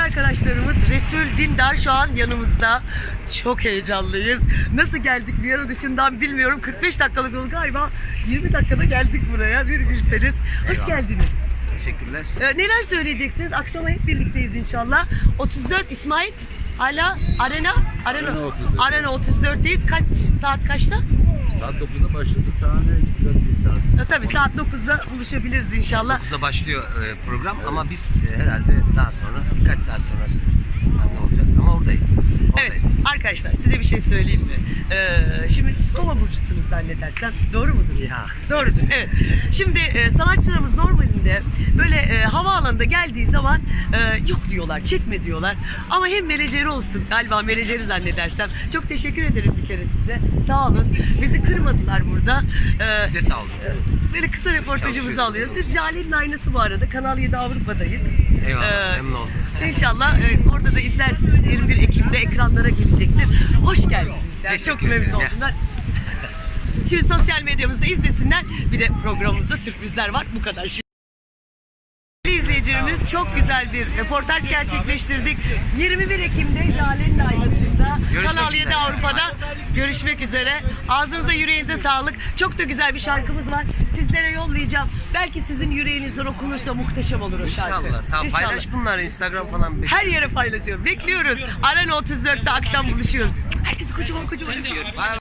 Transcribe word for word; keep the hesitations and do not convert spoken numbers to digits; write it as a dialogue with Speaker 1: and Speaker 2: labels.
Speaker 1: arkadaşlarımız Resul Dindar şu an yanımızda. Çok heyecanlıyız. Nasıl geldik Viyana dışından bilmiyorum. kırk beş dakikalık yol galiba yirmi dakikada geldik buraya. Bir bilseniz. Hoş
Speaker 2: Eyvallah.
Speaker 1: geldiniz.
Speaker 2: Teşekkürler.
Speaker 1: Ee, neler söyleyeceksiniz? Akşama hep birlikteyiz inşallah. otuz dört İsmail. Hala Arena? Arena,
Speaker 3: Arena otuz dört.
Speaker 1: Arena otuz dörtteyiz. Kaç saat kaçta?
Speaker 3: Saat dokuzda başladı. Sahne biraz bir saat.
Speaker 1: Ya, tabii saat dokuzda buluşabiliriz inşallah.
Speaker 2: dokuzda başlıyor e, program ama biz e, herhalde daha sonra birkaç saat sonrası sahne olacak ama oradayım.
Speaker 1: Evet
Speaker 2: Oradayız.
Speaker 1: arkadaşlar size bir şey söyleyeyim mi? Ee, şimdi siz Kova burcusunuz zannedersem. Doğru mudur?
Speaker 2: Ya.
Speaker 1: Doğrudur evet. Şimdi e, sanatçılarımız normalinde böyle e, havaalanında geldiği zaman e, yok diyorlar, çekme diyorlar. Ama hem menajeri olsun galiba menajeri zannedersem. Çok teşekkür ederim bir kere size. Sağ olun. Bizi kırmadılar burada. Ee,
Speaker 2: Siz de sağ olun canım.
Speaker 1: Böyle kısa reportajımızı
Speaker 2: Çalışıyoruz.
Speaker 1: alıyoruz. Biz Jale'nin aynası bu arada. Kanal yedi Avrupa'dayız.
Speaker 2: Eyvallah,
Speaker 1: Ee,
Speaker 2: memnun oldum.
Speaker 1: İnşallah e, orada da izlersiniz. yirmi bir Ekim'de ekranlara gelecektir. Hoş geldiniz. Yani
Speaker 2: Teşekkür
Speaker 1: çok memnun
Speaker 2: ederim.
Speaker 1: oldum ben. Şimdi sosyal medyamızda izlesinler. Bir de programımızda sürprizler var. Bu kadar. Şimdi izleyicilerimiz çok güzel bir röportaj gerçekleştirdik. yirmi bir Ekim'de Jale'nin aynasında
Speaker 2: Görüşmek
Speaker 1: Kanal yedi
Speaker 2: üzere.
Speaker 1: Avrupa'da görüşmek üzere. Ağzınıza yüreğinize sağlık. Çok da güzel bir şarkımız var. Sizlere yollayacağım. Belki sizin yüreğinizden okunursa muhteşem olur o şarkı.
Speaker 2: İnşallah. Sağ ol.
Speaker 1: İnşallah.
Speaker 2: Paylaş bunları Instagram falan.
Speaker 1: Her yere paylaşıyorum. Bekliyoruz. Arena otuz dörtte akşam buluşuyoruz. Herkese kocaman kocaman öpüyoruz.
Speaker 2: Bay bay.